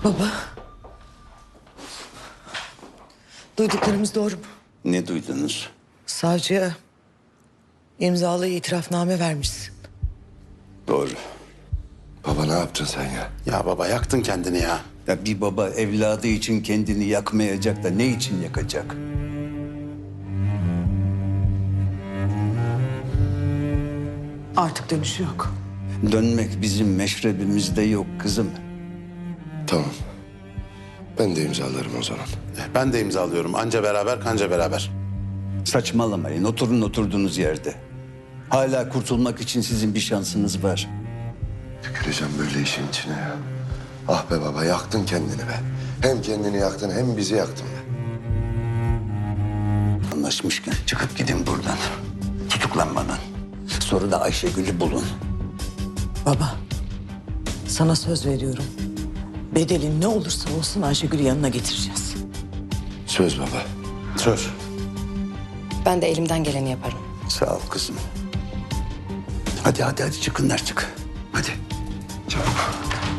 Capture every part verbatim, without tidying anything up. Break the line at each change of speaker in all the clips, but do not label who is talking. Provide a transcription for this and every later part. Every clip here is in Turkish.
Baba. Duyduklarımız doğru mu?
Ne duydunuz?
Savcıya imzalı itirafname vermişsin.
Doğru.
Baba ne yaptın sen ya?
Ya baba yaktın kendini ya.
Ya bir baba evladı için kendini yakmayacak da ne için yakacak?
Artık dönüşü yok.
Dönmek bizim meşrebimizde yok kızım.
Tamam. Ben de imzalarım o zaman.
Ben de imzalıyorum. Anca beraber kanca beraber.
Saçmalamayın. Oturun oturduğunuz yerde. Hala kurtulmak için sizin bir şansınız var.
Tüküreceğim böyle işin içine ya. Ah be baba yaktın kendini be. Hem kendini yaktın hem bizi yaktın be.
Anlaşmışken çıkıp gidin buradan. Tutuklanmadan. Sonra da Ayşegül'ü bulun.
Baba. Sana söz veriyorum. Bedeli ne olursa olsun Ayşegül'ü yanına getireceğiz.
Söz baba.
Söz.
Ben de elimden geleni yaparım.
Sağ ol kızım. Hadi hadi hadi çıkınlar çık. Hadi.
Çabuk.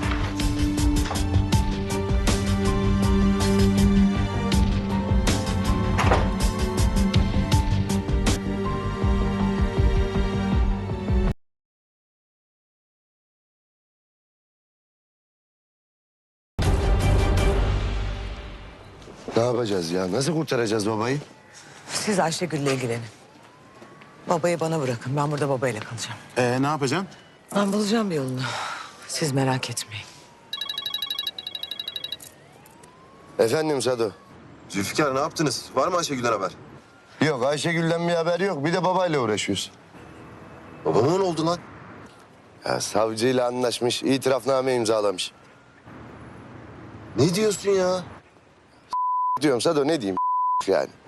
Ne yapacağız ya? Nasıl kurtaracağız babayı?
Siz Ayşegül'le ilgilenin. Babayı bana bırakın. Ben burada babayla kalacağım.
Ee, ne yapacaksın?
Ben bulacağım bir yolunu. Siz merak etmeyin.
Efendim Sado.
Zülfikar ne yaptınız? Var mı Ayşegül'den haber?
Yok Ayşegül'den bir haber yok. Bir de babayla uğraşıyoruz.
Babama ne oldu lan?
Ya savcıyla anlaşmış, itirafname imzalamış.
Ne diyorsun ya?
Diyorum Sado ne diyeyim yani.